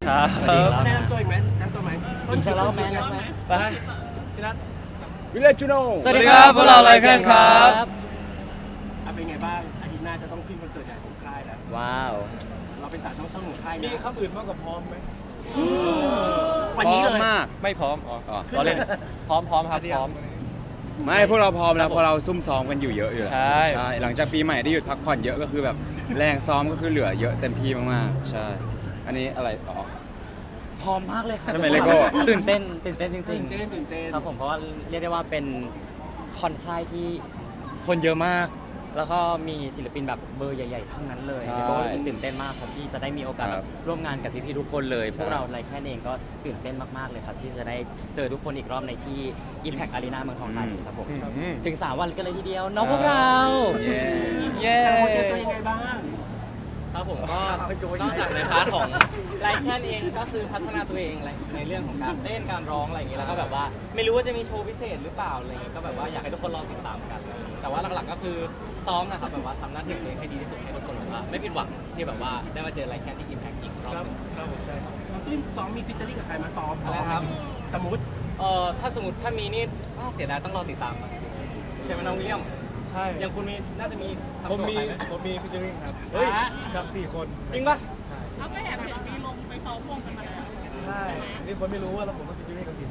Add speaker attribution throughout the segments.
Speaker 1: ครับ
Speaker 2: แนะนำตัวอีกไหมแนะนำตัวไหมต้นคิวต้นคิวไหม
Speaker 1: ไป
Speaker 2: พี่นัท
Speaker 3: วิลเลจจูโน
Speaker 1: สวัสดีครับพวกเราไลแคนครับ
Speaker 2: เป็นไงบ้างอาทิตย์หน้าจะต้องขึ้นคอนเสิร์ตใหญ่ของค่ายแล้ว
Speaker 4: ว้าว
Speaker 2: เราเป็นสายต้นของค่าย
Speaker 3: มี
Speaker 2: นะ
Speaker 3: คำอื่นมากกว่าพร้อมไหม
Speaker 2: วันนี้เลย
Speaker 4: มาก
Speaker 1: ไม่พร้อมอ๋อ
Speaker 2: ขึ้น
Speaker 1: เราเล่น
Speaker 2: เลย
Speaker 1: พร้อมครับพร้อม
Speaker 3: ไม่พวกเราพร้อมแล้วเพราะเราซุ่มซ้อมกันอยู่เยอะอยู่แล้ว
Speaker 1: ใช่
Speaker 3: หลังจากปีใหม่ได้หยุดพักผ่อนเยอะก็คือแบบแรงซ้อมก็คือเหลือเยอะเต็มที่มากๆใช่อันนี้อะไรอ๋อ
Speaker 4: พร้อมมากเลยครับ
Speaker 3: ใช่ไหมเลโก้
Speaker 4: ตื่นเต้นจริง
Speaker 2: ตื่นเต้นตื่นเต้น
Speaker 4: ๆครับผมเพราะว่าเรียกได้ว่าเป็นคอนค่ายที่คนเยอะมาก แล้วก็มีศิลปินแบบเบอร์ใหญ่ๆทั้งนั้นเลย
Speaker 3: ใช่
Speaker 4: แล้วก็รู้สึกตื่นเต้นมากครับที่จะได้มีโอกาส
Speaker 3: ครับ
Speaker 4: ร่วมงานกับพี่ๆทุกคนเลย
Speaker 3: ใช่
Speaker 4: พวกเราไลแค่เองก็ตื่นเต้นมากๆเลยครับที่จะได้เจอทุกคนอีกรอบในที่ Impact Arena เมืองทองธานีครับผม
Speaker 1: อืม
Speaker 4: ถึง 3 วันกันเลยทีเดียวน้องพวกเรา
Speaker 3: เย้
Speaker 1: เย้
Speaker 2: แต่คนเตรียมตัวยังไงบ้าง
Speaker 4: ครับผมก็นอกจากในพาร์ทของไลแคนเองก็คือพัฒนาตัวเองในเรื่องของการเต้นการร้องอะไรอย่างเงี้ยแล้วก็แบบว่าไม่รู้ว่าจะมีโชว์พิเศษหรือเปล่าอะไรอย่างเงี้ยก็แบบว่าอยากให้ทุกคนลองติดตามกัน แต่ว่าหลักๆก็คือซ้อมนะครับแบบว่าทำหน้าที่ของตัวเองให้ดีที่สุดให้ทุกคนแบบว่าไม่ผิดหวังที่แบบว่าได้มาเจอไลแคนที่ Impact อีกรอบหนึง
Speaker 3: ครับผมใช่ครับ
Speaker 2: น้องตุ้นซ้อมมีฟิชเจอริ่งกับใครมาซ้อม
Speaker 4: อะไรครับ
Speaker 2: สมมติ
Speaker 4: ถ้าสมมติถ้ามีนี่น่าเสียดายต้องรอติดตามอะใช่ไหมน้องวิลเลียม
Speaker 3: ใช่
Speaker 4: อย่างคุณมีน่าจะมีทำ
Speaker 3: ผม
Speaker 4: โชว์
Speaker 3: มี
Speaker 4: ใครไหม
Speaker 3: ผมมีฟิชเชอริงครับ
Speaker 4: เฮ้ย
Speaker 3: กับ4 คน
Speaker 4: จริงปะ
Speaker 5: เขาก็แอบเห็นมีลงไปซ้อมวงกันมาแล้ว
Speaker 3: ใช่นี่คนไม่รู้ว่าเราผมก็ฟิชเชอริงกับ4 คน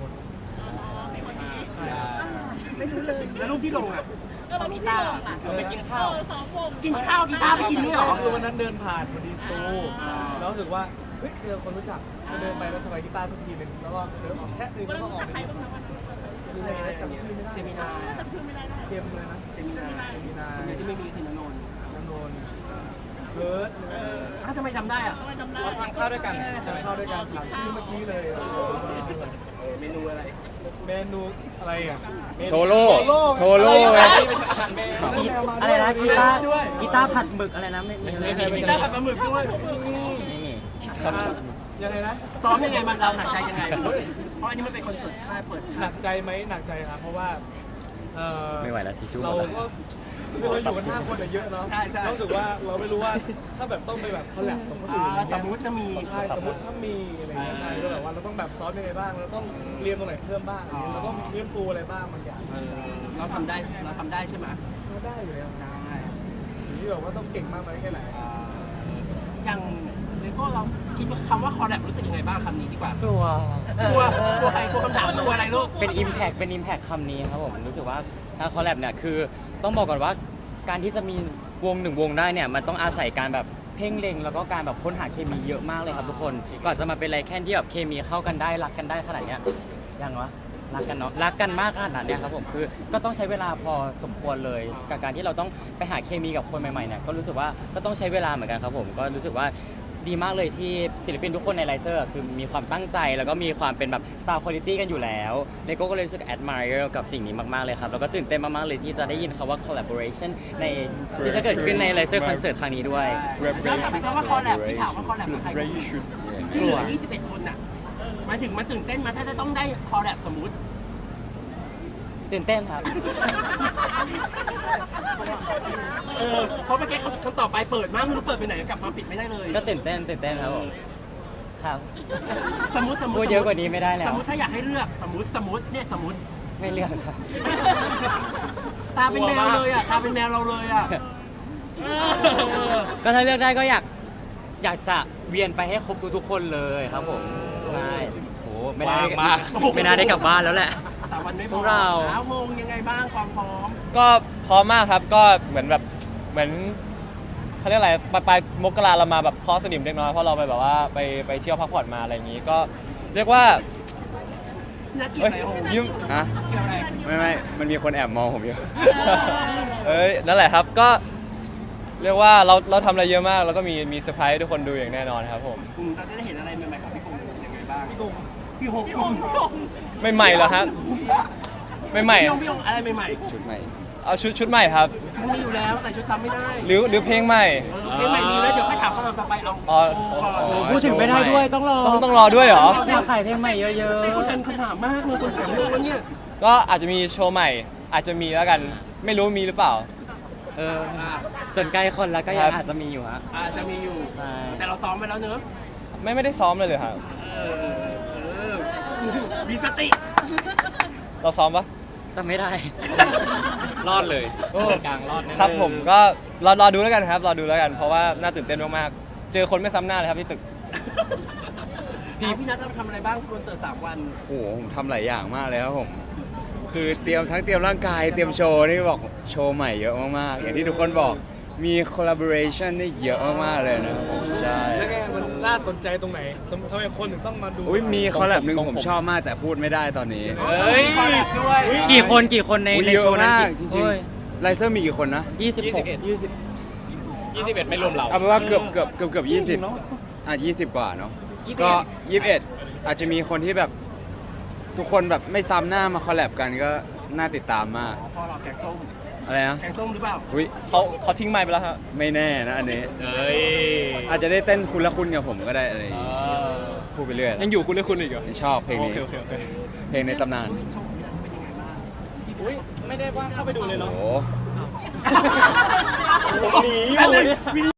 Speaker 2: ไม่รู้เลยแล้วรูปที่ลงอ่ะ
Speaker 5: ก็เราลูกที่ลงอ่ะ
Speaker 4: เราไปกินข้าว
Speaker 5: ซ้อมวง
Speaker 2: กินข้าวกีตาร์ไปกินด้วยเหรอ
Speaker 3: คือวันนั้นเดินผ่านพอดีสตูแล้วรู้สึกว่าเฮ้ยเจอคนรู้จักก็เดินไปแล้วสบายกีตาร์สักทีหนึ่งแล้วก็เดินออกแค่นึง
Speaker 5: วัน
Speaker 3: แล้ว
Speaker 5: นั้น
Speaker 3: ก็ออก
Speaker 5: จากใครบ้างนะวันนั้น
Speaker 3: คืออะไรจำชื่อไม่ได้
Speaker 2: เจมินา
Speaker 5: จำชื่อไม่ได้นะ
Speaker 3: เค็มเลยนะ
Speaker 2: เจมินา
Speaker 3: เจมินา
Speaker 2: คนเดียวที่ไม่มีคือนนนท์
Speaker 3: น้ำนนเบิร์ด
Speaker 2: อ้าวทำไมจำได้อ่ะ
Speaker 5: ทำไมจำได้
Speaker 4: เราทานข้าวด้วยกัน
Speaker 3: จะเข้าด้วยกันถามชื่อเมื่อกี้เลย
Speaker 2: เมนูอะไร
Speaker 3: เมนูอะไรอ่ะ
Speaker 1: โทโร่โทโร่
Speaker 4: อะไร
Speaker 1: ไง
Speaker 4: อะไรนะกีตาร์กีตาร์ผัดหมึกอะไรนะไม่มี
Speaker 2: กีตาร์ผัดปลาหมึกด้วย
Speaker 4: ไม่มี
Speaker 3: ยังไงนะ
Speaker 2: ซ้อมยังไงมันเราหนักใจยังไง เพราะอันนี้มันเป็นคอนเสิร์ตค่ายเปิด
Speaker 3: หนักใจไหมหนักใจครับ เพราะว่าเออ
Speaker 4: ไม่ไหวแล้วทิชชู่หม
Speaker 3: เรา
Speaker 4: ดแล้ว
Speaker 3: ก็คือเราอยู่กัน5 คนอะเยอะเนาะ
Speaker 2: ใช่ใช่
Speaker 3: รู้สึกว่าเราไม่รู้ว่าถ้าแบบต้องไปแบบคอลแลบกับคนอื่น
Speaker 2: สมมติจะมี
Speaker 3: ใช่สมมติถ้ามีอะไรเงี้ยใช่ก็แบบว่าเราต้องแบบซ้อมยังไงบ้างเราต้องเรียนตรงไหนเพิ่มบ้างอะไรเงี้ยเราต้องฟื้นฟูอะไรบ้างบางอย่าง
Speaker 2: เราทำได้ใช่ไหม
Speaker 3: เราได้อยู่แล้ว
Speaker 2: ได้
Speaker 3: อยู่ที่แบบว่าต้องเก่งมากไหมแค่ไหน
Speaker 2: อย่างเลโก้เราคิดว่าคำว่าคอร์แลบรู้สึกยังไงบ้างคำนี้ดีกว่า
Speaker 4: ตัว
Speaker 2: กลัวใครกลัวคำถามกลัวอะไรลูก
Speaker 4: เป็น Impact คำนี้ครับผมรู้สึกว่าถ้าคอลแลบเนี่ยคือต้องบอกก่อนว่าการที่จะมีวงหนึ่งวงได้เนี่ยมันต้องอาศัยการแบบเพ่งเล็งแล้วก็การแบบค้นหาเคมีเยอะมากเลยครับทุกคนก่อนจะมาเป็นอะไรแค่ที่แบบเคมีเข้ากันได้รักกันได้ขนาดเนี้ยยังวะรักกันเนาะรักกันมากขนาดเนี้ยครับผมคือก็ต้องใช้เวลาพอสมควรเลยกับการที่เราต้องไปหาเคมีกับคนใหม่ๆเนี่ยก็รู้สึกว่าก็ต้องใช้เวลาเหมือนกันครับผมก็รู้สึกว่าดีมากเลยที่ศิลปินทุกคนในไลเซอร์คือมีความตั้งใจแล้วก็มีความเป็นแบบ Star Quality กันอยู่แล้วเลโก้ก็เลยรู้สึก admire กับสิ่งนี้มากๆเลยครับแล้วก็ตื่นเต้นมากๆเลยที่จะได้ยินคำว่า collaboration ในที่จะเกิดขึ้นในไลเซอร์คอนเสิร์ตครั้งนี้ด้วย
Speaker 2: แล้วถามว่าคอร์แลบที่ถามว่าคอร์แลบกับใครที่เหลือ21 คนน่ะหมายถึงมันตื่นเต้นมาถ้าจะต้องได้คอร์แลบสมมุติ
Speaker 4: ตื่นเต้นครับ
Speaker 2: เพราะเมื่อกี้คำตอบไปเปิดมากไม่รู้เปิดไปไหนกลับมาปิดไม่ได้เลย
Speaker 4: ก็ตื่นเต้นครับผมครับ
Speaker 2: สมมติ
Speaker 4: พูดเยอะกว่านี้ไม่ได้แล้
Speaker 2: ส
Speaker 4: ว
Speaker 2: มมติถ้าอยากให้เลือกสมมติเนี่ยสมมติ
Speaker 4: ไม่เลือกครับ
Speaker 2: ตาเป็นแมวเลยอ่ะตาเป็นแมวเราเลยอ่ะ
Speaker 4: ก็ถ้าเลือกได้ก็อยากจะเวียนไปให้ครบทุกๆคนเลยครับผมใช่โหไม่น่าได้
Speaker 1: มาก
Speaker 4: ไม่น่าได้กลับบ้านแล้วแหละ
Speaker 2: 3 วันไม่พ
Speaker 4: พ
Speaker 2: อ
Speaker 4: วกเรา
Speaker 2: แล้วงงยังไงบ้างความพร้อม
Speaker 1: ก็พร้อมมากครับก็เหมือนเขาเรียกอะไรปลายมกราเรามาแบบเคอสนิมเล็กน้อยเพราะเราไปแบบว่าไปเที่ยวพักผ่อนมาอะไรอย่างงี้ก็เรียกว่า
Speaker 2: น่าเกลีย
Speaker 1: เอ้
Speaker 2: ด
Speaker 1: ย
Speaker 2: ไหมโอ้
Speaker 1: ยิ้ม
Speaker 3: ฮะ
Speaker 2: เกลียดอะไร
Speaker 3: ไม่มันมีคนแอบมองผมอยู่
Speaker 1: เอ้ยนั่นแหละครับก็เรียกว่าเราทำอะไรเยอะมากแล้วก็มีเซอร์ไพรส์ให้ทุกคนดูอย่างแน่นอนครับผม
Speaker 2: เราจะได้เห็นอะไรใหม่ๆของพี่คงยังไงบ้างพี่คงพี่คง
Speaker 1: ไม่ใหม่เหรอฮะไม่ใหม่
Speaker 2: พี่คงอะไรใหม่
Speaker 3: ชุดใหม่
Speaker 1: เอาชุดใหม่ครับ
Speaker 2: ๆมันมีอยู่แล้วแต่ชุดซ้ำไม่ได้
Speaker 1: หรือเพลงใหม่
Speaker 2: เพลงใหม่มีแล้วเดี๋ยวค่อยถามคำถามต่อไปเอา
Speaker 1: อ๋อ
Speaker 4: พูดถึงไม่ได้ด้วยต้องรอ
Speaker 1: ต้องรอด้วยเหรอ
Speaker 4: อยากขายเพลงใหม่เยอะ
Speaker 2: ไอ้คนกันคำถามมากเลยคนถามเรื่องเนี่ย
Speaker 1: ก็อาจจะมีโชว์ใหม่ อาจจะมีแล้วกันไม่รู้มีหรือเปล่า
Speaker 4: จนใกล้คนแล้วก็ยังอาจจะมีอยู่ฮะ
Speaker 2: อาจจะมีอยู่
Speaker 4: ใช่
Speaker 2: แต่เราซ้อมไปแล้วเนอะ
Speaker 1: ไม่ได้ซ้อมเลยครับ
Speaker 2: มีสติ
Speaker 1: เราซ้อมปะ
Speaker 4: จำไม่ได้ รอดเลยกลางรอดแน่
Speaker 1: ครับผมก็รอดูแล้วกันครับรอดูแล้วกันเพราะว่าน่าตื่นเต้นมากๆเจอคนไม่ซ้ำหน้าเลยครับที่ตึก
Speaker 2: พี่นัทเราทำอะไรบ้างคอนเสิร์ต3 วัน
Speaker 6: โอ้โหผมทำหลายอย่างมากเลยครับผม คือเตรียมร่างกายเตรียมโชว์นี่บอกโชว์ใหม่เยอะมากๆ อย่างที่ทุกคนบอกมี collaboration นี่เยอะมากๆเลยนะครับผมใช่
Speaker 3: แล้วไงมันน่าสนใจตรงไหนทำไมคนถึงต้องมาดู
Speaker 6: อุ้ยมีคอลแลบหนึ่งผมชอบมากแต่พูดไม่ได้ตอนนี้
Speaker 3: เฮ้ย
Speaker 2: คอลแลบด้วย
Speaker 4: กี่คนใน
Speaker 6: อุ๊ย
Speaker 4: ใน
Speaker 6: เย
Speaker 4: โช
Speaker 6: อะ
Speaker 4: ว์นั้น
Speaker 6: มากจริง
Speaker 4: โอ้ย
Speaker 6: ๆไลเซอร์มีกี่คนนะ
Speaker 4: 26
Speaker 6: 21ไม่รวมเราเอาเป็นว่าเกือบ20อ่ะ20 กว่าเนาะก็21อาจจะมีคนที่แบบทุกคนแบบไม่ซ้ำหน้ามาคอลแลบกันก็น่าติดตามมาก
Speaker 2: พอเราแกงส้ม
Speaker 6: อะไรนะ
Speaker 2: แกงส้มหรือเปล่า
Speaker 6: อุ้ย
Speaker 1: เขาทิ้งไมค์ไปแล้วครับ
Speaker 6: ไม่แน่นะอันนี้
Speaker 4: เอ้ย
Speaker 6: อาจจะได้เต้นคุณละคุณกับผมก็ได้อะไรอย่างงี้พูดไปเรื่อย
Speaker 1: ยังอยู่คุณหรือคุณอีกเหรอ
Speaker 6: ชอบเพลง
Speaker 1: โอ
Speaker 6: นี้
Speaker 1: เคโอเคโอเค
Speaker 6: เพลงในตำนาน
Speaker 3: อุ้ยไม่ได้ว่าเข้าไปดูเลย
Speaker 6: โอ้
Speaker 3: เนาะ
Speaker 6: โห
Speaker 3: หนีอยู่